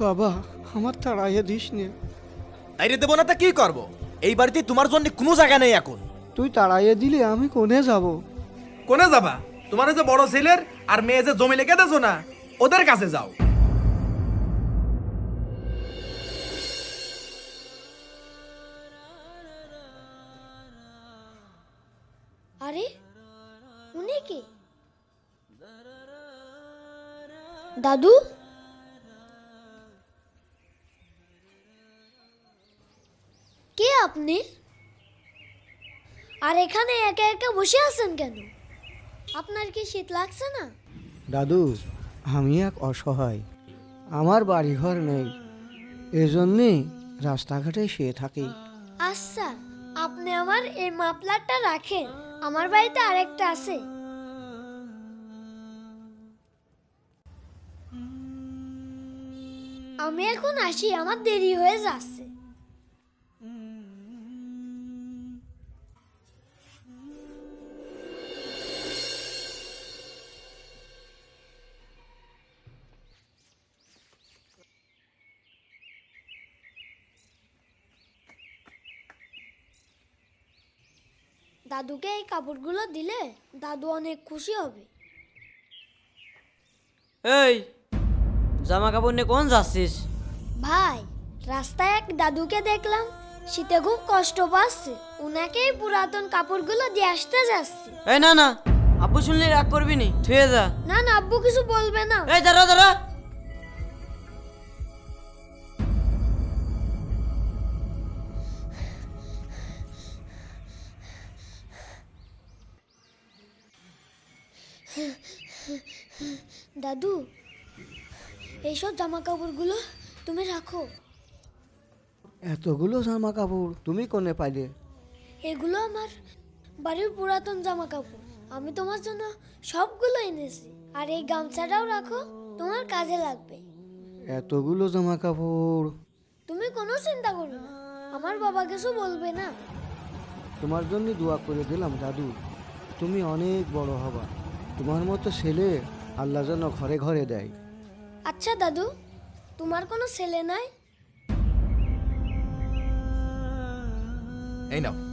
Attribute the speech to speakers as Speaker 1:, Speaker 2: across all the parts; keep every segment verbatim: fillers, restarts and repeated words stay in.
Speaker 1: বাবা আমার তাড়াইয়ে দিস নে।
Speaker 2: তাইরে দেবো না তা কি করবো? এই বাড়িতে তোমার জন্য কোনো জায়গা নেই এখন।
Speaker 1: তুই তাড়াইয়ে দিলে আমি কোনে যাব?
Speaker 3: কোনে যাবা? তোমার যে বড় ছেলের আর মেয়ে যে জমি লিখে দেছো না, ওদের কাছে যাও।
Speaker 4: আরে উনি কি? দাদু? কে আপনি? আর এখানে একা একা বসে আছেন কেন? আপনার কি শীত লাগছে না?
Speaker 1: দাদু, আমি এক অসহায়, আমার বাড়িঘর নেই, এজন্যে রাস্তাঘাটে শুয়ে থাকি।
Speaker 4: আচ্ছা, আপনি আমার এই মাফলারটা রাখেন, আমার বাড়িতে আরেকটা আছে। আমি এখন আসি, আমার দেরি হয়ে যাচ্ছে। দাদুকে এই কাপড়গুলো দিলে দাদু অনেক খুশি হবে।
Speaker 5: এই জামা কাপড় নিয়ে কোন যাচ্ছিস?
Speaker 4: ভাই, রাস্তায় এক দাদুকে দেখলাম, শীতে খুব কষ্ট পাচ্ছে, উনাকে এই পুরাতন কাপড়গুলো দিয়ে আসতে যাচ্ছে।
Speaker 5: এই না না, আব্বু শুনলে রাগ করবি নি, থুয়ে যা।
Speaker 4: না না, আব্বু কিছু বলবে না।
Speaker 5: এই দাঁড়া দাঁড়া,
Speaker 4: দাদু, এইসব জামা কাপড়গুলো তুমি রাখো।
Speaker 1: এতগুলো জামা কাপড় তুমি কোনে পাইলে?
Speaker 4: এগুলো আমার বাড়ির পুরাতন জামা কাপড়, আমি তোমার জন্য সবগুলো এনেছি। আর এই গামছাটাও রাখো, তোমার কাজে লাগবে।
Speaker 1: এতগুলো জামা কাপড়?
Speaker 4: তুমি কোনো চিন্তা করো না, আমার বাবা কিছু বলবে না।
Speaker 1: তোমার জন্য দোয়া করে দিলাম দাদু, তুমি অনেক বড় হবা, তোমার মতো ছেলে আল্লাহ যেন ঘরে ঘরে দেয়।
Speaker 4: আচ্ছা দাদু, তোমার কোনো ছেলে নাই?
Speaker 2: এই নাও,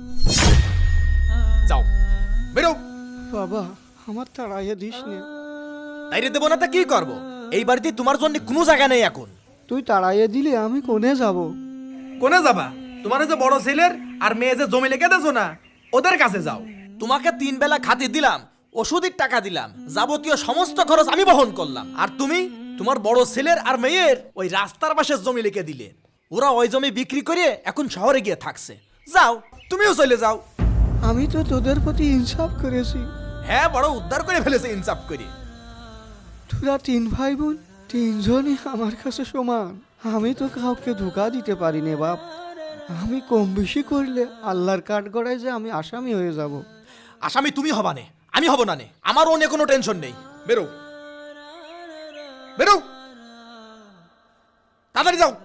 Speaker 2: যাও বেরো।
Speaker 1: বাবা আমার তাড়াইয়ে দিস নে।
Speaker 2: তাইরে দেবো না তা কি করবো? এই বাড়িতে তোমার জন্য কোনো জায়গা নেই এখন।
Speaker 1: তুই তাড়াইয়ে দিলে আমি কোনে যাব?
Speaker 3: কোনে যাবা? তোমার যে বড় ছেলের আর মেয়ে যে জমি লিখে দেছো না, ওদের কাছে যাও।
Speaker 2: তোমাকে তিন বেলা খাতে দিলাম, ওষুধের টাকা দিলাম, যাবতীয় সমস্ত খরচ আমি বহন করলাম, আর তুমি তোমার বড় ছেলের আর মেয়ের ওই রাস্তার পাশে জমি লিখে দিলে। ওরা ওই জমি বিক্রি করে এখন শহরে গিয়ে থাকছে। যাও, তুমিও চলে যাও।
Speaker 1: আমি তো তোদের প্রতি ইনসাফ করেছি।
Speaker 2: হ্যাঁ, বড় উদ্ধার করে ফেলেছে ইনসাফ করে।
Speaker 1: তোরা তিন ভাই বোন তিনজনই আমার কাছে সমান, আমি তো কাউকে ধোকা দিতে পারি নে বাপ। আমি কম বেশি করলে আল্লাহর কাঠ গড়ায় যে আমি আসামি হয়ে যাব।
Speaker 2: আসামি তুমি হবা নে, আমি হব না নে, আমার অন্য কোনো টেনশন নেই। বেরো বেরো, তাড়াতাড়ি যাও।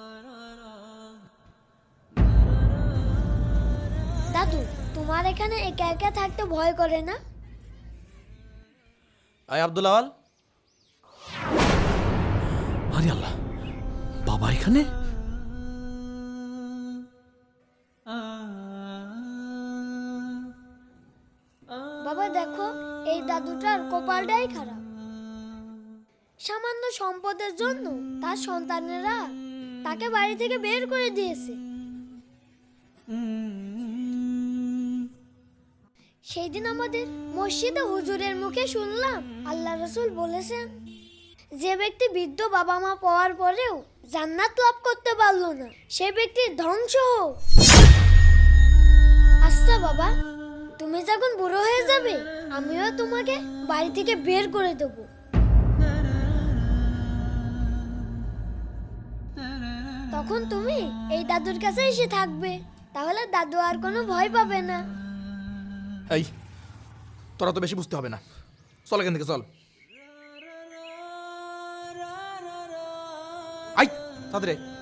Speaker 4: দাদু, তোমার এখানে একা একা থাকতে ভয় করে না?
Speaker 2: আয় আব্দুল আওয়াল। আরে আল্লাহ, বাবা এখানে?
Speaker 4: বাবা দেখো, এই দাদুটার কপালটাই খারাপ। সামান্য সম্পদের জন্য তার সন্তানেরা তাকে বাড়ি থেকে বের করে দিয়েছে। সেই দিন আমাদের মসজিদে হুজুরের মুখে শুনলাম আল্লাহ রাসূল বলেছেন, যে ব্যক্তি বৃদ্ধ বাবা মা পাওয়ার পরেও জান্নাত লাভ করতে পারলো না, সে ব্যক্তির ধ্বংস হোক। আচ্ছা বাবা, তুমি যখন বুড়ো হয়ে যাবে, আমিও তোমাকে বাড়ি থেকে বের করে দেব। তখন তুমি এই দাদুর কাছে এসে থাকবে, তাহলে দাদু আর কোনো ভয় পাবে না।
Speaker 2: এই, তোরা তো বেশি বুঝতে হবে না, চল এখান থেকে চল। আই তাড়াতাড়ি।